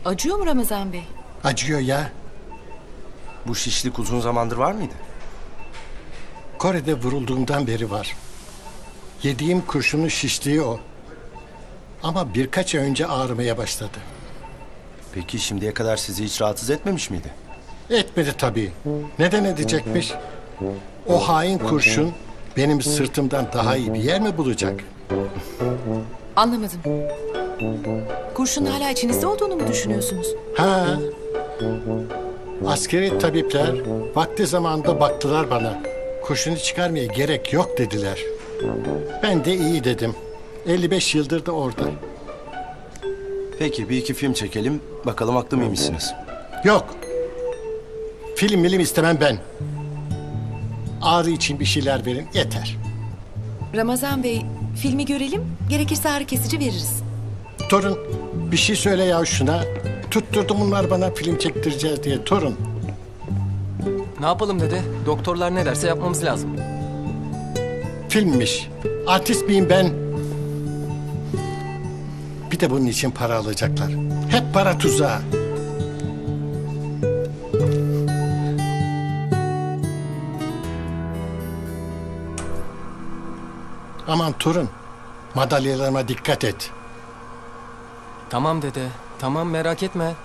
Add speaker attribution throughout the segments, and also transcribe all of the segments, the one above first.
Speaker 1: Acıyor mu Ramazan Bey?
Speaker 2: Acıyor ya.
Speaker 3: Bu şişlik uzun zamandır var mıydı?
Speaker 2: Kore'de vurulduğumdan beri var. Yediğim kurşunun şişliği o. Ama birkaç ay önce ağrımaya başladı.
Speaker 3: Peki şimdiye kadar sizi hiç rahatsız etmemiş miydi?
Speaker 2: Etmedi tabii. Neden edecekmiş? O hain kurşun benim sırtımdan daha iyi bir yer mi bulacak?
Speaker 1: Anlamadım. Kurşun hala içinizde olduğunu mu düşünüyorsunuz?
Speaker 2: Ha. Askeri tabipler vakti zamanında baktılar bana. Kurşunu çıkarmaya gerek yok dediler. Ben de iyi dedim. 55 yıldır da orada.
Speaker 3: Peki bir iki film çekelim. Bakalım haklı mıymışsınız?
Speaker 2: Yok. Film istemem ben. Ağrı için bir şeyler verin yeter.
Speaker 1: Ramazan Bey, filmi görelim. Gerekirse ağrı kesici veririz.
Speaker 2: Torun bir şey söyle ya şuna. Tutturdu bunlar bana film çektireceğiz diye torun.
Speaker 4: Ne yapalım dede? Doktorlar ne derse yapmamız lazım.
Speaker 2: Filmmiş. Artist miyim ben? Bir de bunun için para alacaklar. Hep para tuzağı. Aman torun, madalyalarıma dikkat et.
Speaker 4: Tamam dede. Tamam merak etme.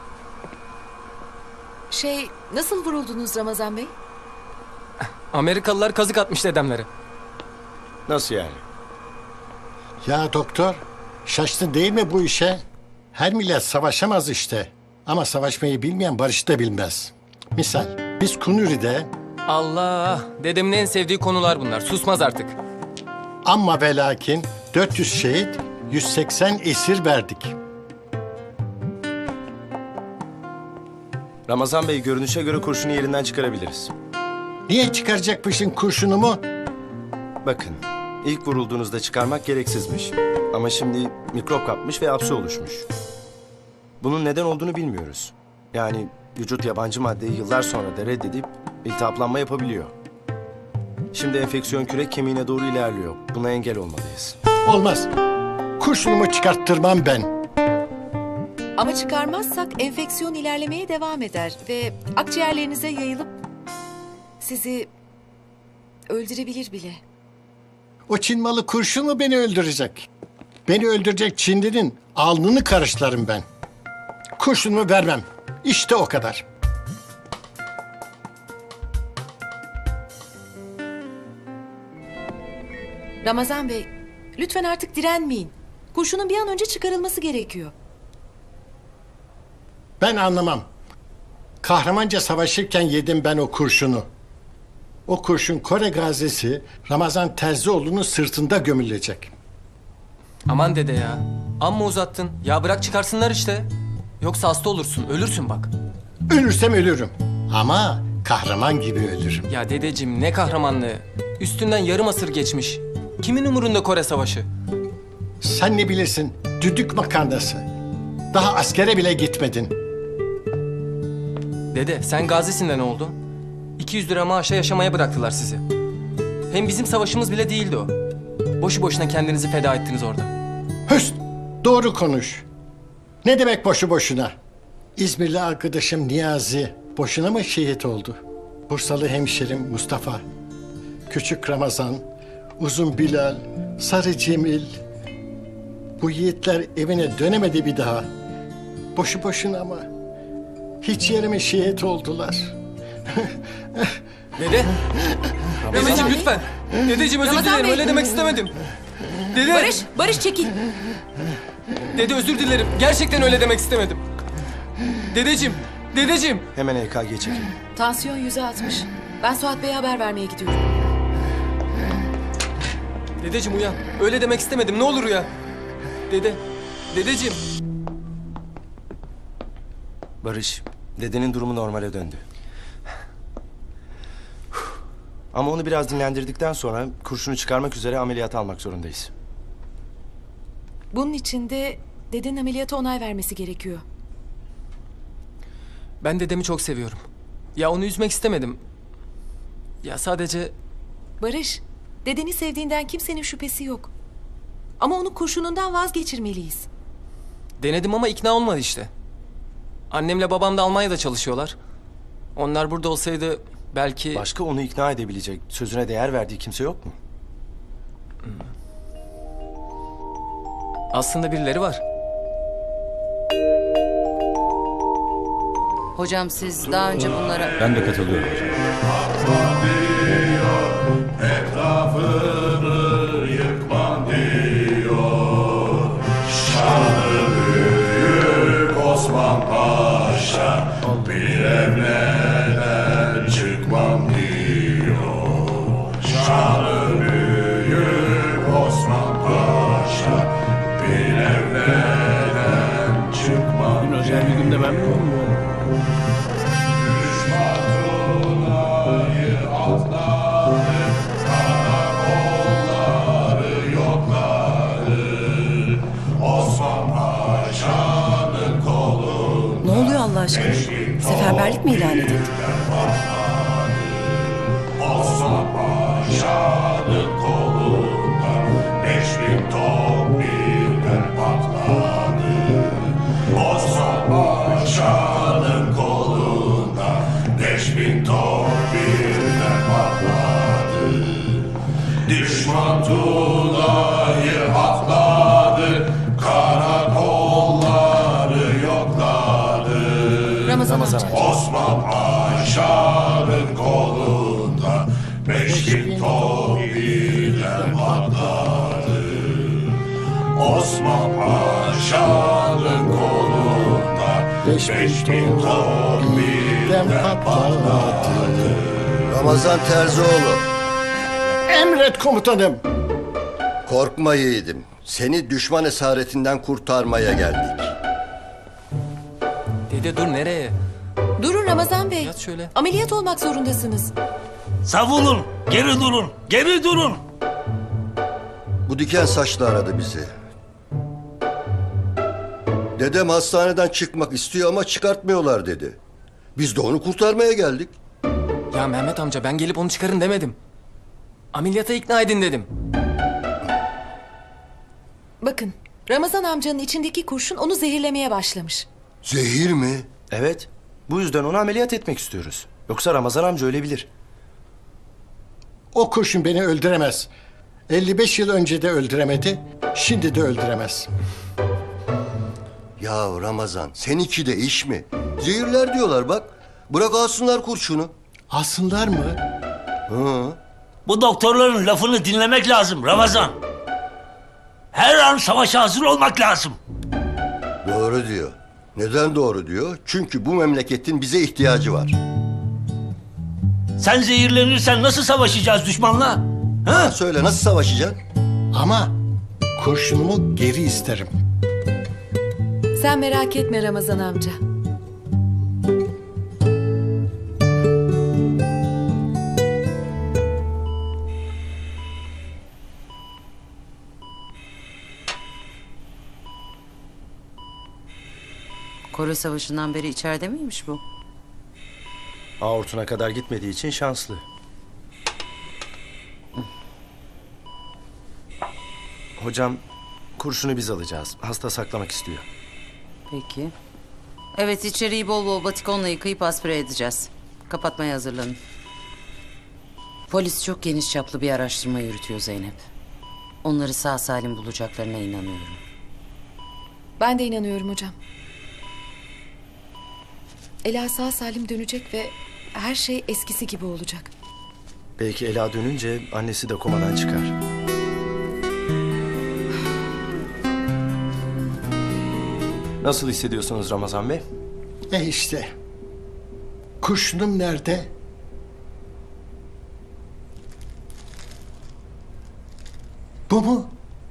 Speaker 1: Nasıl vuruldunuz Ramazan Bey?
Speaker 4: Amerikalılar kazık atmış dedemlere.
Speaker 3: Nasıl yani?
Speaker 2: Ya doktor, şaştın değil mi bu işe? Her millet savaşamaz işte. Ama savaşmayı bilmeyen barışı da bilmez. Misal, biz Kunuri'de
Speaker 4: Allah! Dedemin en sevdiği konular bunlar. Susmaz artık.
Speaker 2: amma ve lakin 400 şehit, 180 esir verdik.
Speaker 3: Ramazan Bey görünüşe göre kurşunu yerinden çıkarabiliriz.
Speaker 2: Niye çıkaracakmışsın kurşunumu?
Speaker 3: Bakın ilk vurulduğunuzda çıkarmak gereksizmiş. Ama şimdi mikrop kapmış ve hapse oluşmuş. Bunun neden olduğunu bilmiyoruz. Yani vücut yabancı maddeyi yıllar sonra da reddedip iltihaplanma yapabiliyor. Şimdi enfeksiyon kürek kemiğine doğru ilerliyor. Buna engel olmalıyız.
Speaker 2: Olmaz. Kurşunumu çıkarttırmam ben.
Speaker 1: Ama çıkarmazsak enfeksiyon ilerlemeye devam eder ve akciğerlerinize yayılıp sizi öldürebilir bile.
Speaker 2: O Çin malı kurşun mu beni öldürecek? Beni öldürecek Çinli'nin alnını karışlarım ben. Kurşunumu vermem. İşte o kadar.
Speaker 1: Ramazan Bey, lütfen artık direnmeyin. Kurşunun bir an önce çıkarılması gerekiyor.
Speaker 2: Ben anlamam. Kahramanca savaşırken yedim ben o kurşunu. O kurşun Kore gazisi Ramazan Terzioğlu'nun sırtında gömülecek.
Speaker 4: Aman dede ya. Amma uzattın. Ya bırak çıkarsınlar işte. Yoksa hasta olursun. Ölürsün bak.
Speaker 2: Ölürsem ölürüm. Ama kahraman gibi ölürüm.
Speaker 4: Ya dedeciğim ne kahramanlığı. Üstünden yarım asır geçmiş. Kimin umurunda Kore Savaşı?
Speaker 2: Sen ne bilirsin? Düdük makarnası. Daha askere bile gitmedin.
Speaker 4: Dede sen gazisin de ne oldu? 200 lira maaşa yaşamaya bıraktılar sizi. Hem bizim savaşımız bile değildi o. Boşu boşuna kendinizi feda ettiniz orada.
Speaker 2: Höst! Doğru konuş. Ne demek boşu boşuna? İzmirli arkadaşım Niyazi boşuna mı şehit oldu? Bursalı hemşerim Mustafa, Küçük Ramazan, Uzun Bilal, Sarı Cemil. Bu yiğitler evine dönemedi bir daha. Boşu boşuna mı? Hiç yerime şehit oldular.
Speaker 4: Dede! Dedeciğim
Speaker 1: Bey.
Speaker 4: lütfen! Dedeciğim özür
Speaker 1: Ramazan
Speaker 4: dilerim
Speaker 1: Bey.
Speaker 4: öyle demek istemedim. Dede!
Speaker 1: Barış çekil.
Speaker 4: Dede özür dilerim. Gerçekten öyle demek istemedim. Dedeciğim!
Speaker 3: Hemen EKG çekin.
Speaker 1: Tansiyon 100'e 60. Ben Suat Bey'e haber vermeye gidiyorum.
Speaker 4: Dedeciğim uyan. Öyle demek istemedim. Ne olur uyan. Dedeciğim.
Speaker 3: Barış, dedenin durumu normale döndü. Ama onu biraz dinlendirdikten sonra kurşunu çıkarmak üzere ameliyata almak zorundayız.
Speaker 1: Bunun için de dedenin ameliyata onay vermesi gerekiyor.
Speaker 4: Ben dedemi çok seviyorum. Ya onu üzmek istemedim. Ya sadece...
Speaker 1: Barış, dedeni sevdiğinden kimsenin şüphesi yok. Ama onu kurşunundan vazgeçirmeliyiz.
Speaker 4: Denedim ama ikna olmadı işte. Annemle babam da Almanya'da çalışıyorlar. Onlar burada olsaydı belki...
Speaker 3: Başka onu ikna edebilecek, sözüne değer verdiği kimse yok mu?
Speaker 4: Aslında birileri var.
Speaker 5: Hocam siz daha önce bunlara...
Speaker 6: Ben de katılıyorum hocam.
Speaker 7: Osman Paşa bir evleden çıkmam diyor. Şanı büyük Osman Paşa bir evleden çıkmam diyor.
Speaker 6: Özel bir günde ben mi
Speaker 7: Düşman Tuna'yı atladı, karakolları yokladı. Osman Paşa'nın
Speaker 1: Ne oluyor Allah aşkına? Seferberlik mi ilan edildi?
Speaker 7: Osman Paşa'nın kolunda 5000 top birden patladı. Osman Paşa'nın kolunda 5000 top birden patladı. Düşman Tuna'yı atladı, karakolları yokladı.
Speaker 1: Ramazan amca.
Speaker 7: Osman Paşa'nın kolunda 5000 top birden patladı. Osman Paşa'nın kolunda 5000 top birden patladı.
Speaker 8: Ramazan Terzioğlu,
Speaker 2: Emret komutanım.
Speaker 8: korkma yiğidim. Seni düşman esaretinden kurtarmaya geldik.
Speaker 4: Dede dur nereye?
Speaker 1: Durun Ramazan Bey.
Speaker 4: Yat şöyle.
Speaker 1: Ameliyat olmak zorundasınız.
Speaker 6: Savunun, geri durun, geri durun.
Speaker 8: Bu diken saçlı aradı bizi. Dedem hastaneden çıkmak istiyor ama çıkartmıyorlar dedi. Biz de onu kurtarmaya geldik.
Speaker 4: Ya Mehmet amca ben gelip onu çıkarın demedim. Ameliyata ikna edin dedim.
Speaker 1: Bakın, Ramazan amcanın içindeki kurşun onu zehirlemeye başlamış.
Speaker 8: Zehir mi?
Speaker 3: Evet. Bu yüzden onu ameliyat etmek istiyoruz. Yoksa Ramazan amca ölebilir.
Speaker 2: O kurşun beni öldüremez. 55 yıl önce de öldüremedi, şimdi de öldüremez.
Speaker 8: Ya Ramazan, seninki de iş mi? Zehirler diyorlar bak. Bırak alsınlar kurşunu.
Speaker 2: Alsınlar mı?
Speaker 8: Hı.
Speaker 6: Bu doktorların lafını dinlemek lazım Ramazan. Her an savaşa hazır olmak lazım.
Speaker 8: Doğru diyor. Neden doğru diyor? Çünkü bu memleketin bize ihtiyacı var.
Speaker 6: Sen zehirlenirsen nasıl savaşacağız düşmanla? Ha?
Speaker 8: Söyle nasıl savaşacaksın?
Speaker 2: Ama kurşunumu geri isterim.
Speaker 1: Sen merak etme Ramazan amca.
Speaker 5: Kore Savaşı'ndan beri içeride miymiş bu?
Speaker 3: Aortuna kadar gitmediği için şanslı. Hocam, kurşunu biz alacağız. Hasta saklamak istiyor.
Speaker 5: Peki. Evet, içeriği bol bol batikonla yıkayıp aspire edeceğiz. Kapatmaya hazırlanın. Polis çok geniş çaplı bir araştırma yürütüyor Zeynep. Onları sağ salim bulacaklarına inanıyorum.
Speaker 1: Ben de inanıyorum hocam. Ela sağ salim dönecek ve her şey eskisi gibi olacak.
Speaker 3: Belki Ela dönünce annesi de komadan çıkar. Nasıl hissediyorsunuz Ramazan Bey?
Speaker 2: İşte. Kurşunum nerede? Bu mu?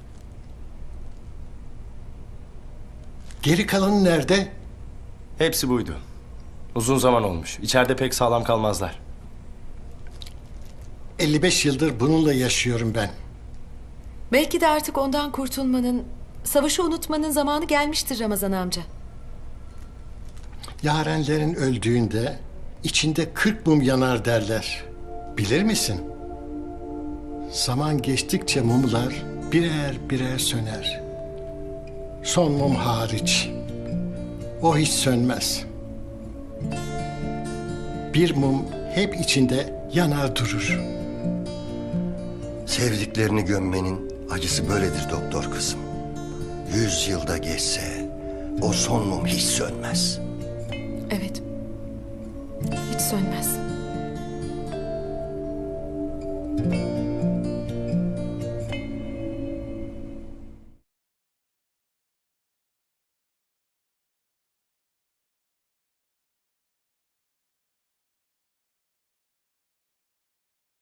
Speaker 2: Geri kalanı nerede?
Speaker 3: Hepsi buydu. Uzun zaman olmuş. İçeride pek sağlam kalmazlar.
Speaker 2: 55 yıldır bununla yaşıyorum ben.
Speaker 1: Belki de artık ondan kurtulmanın, savaşı unutmanın zamanı gelmiştir Ramazan amca.
Speaker 2: Yarenlerin öldüğünde içinde 40 mum yanar derler. Bilir misin? Zaman geçtikçe mumlar birer birer söner. Son mum hariç. O hiç sönmez. Bir mum hep içinde yanar durur.
Speaker 8: Sevdiklerini gömmenin acısı böyledir doktor kızım. 100 yılda geçse o son mum hiç sönmez.
Speaker 1: Evet. Hiç sönmez.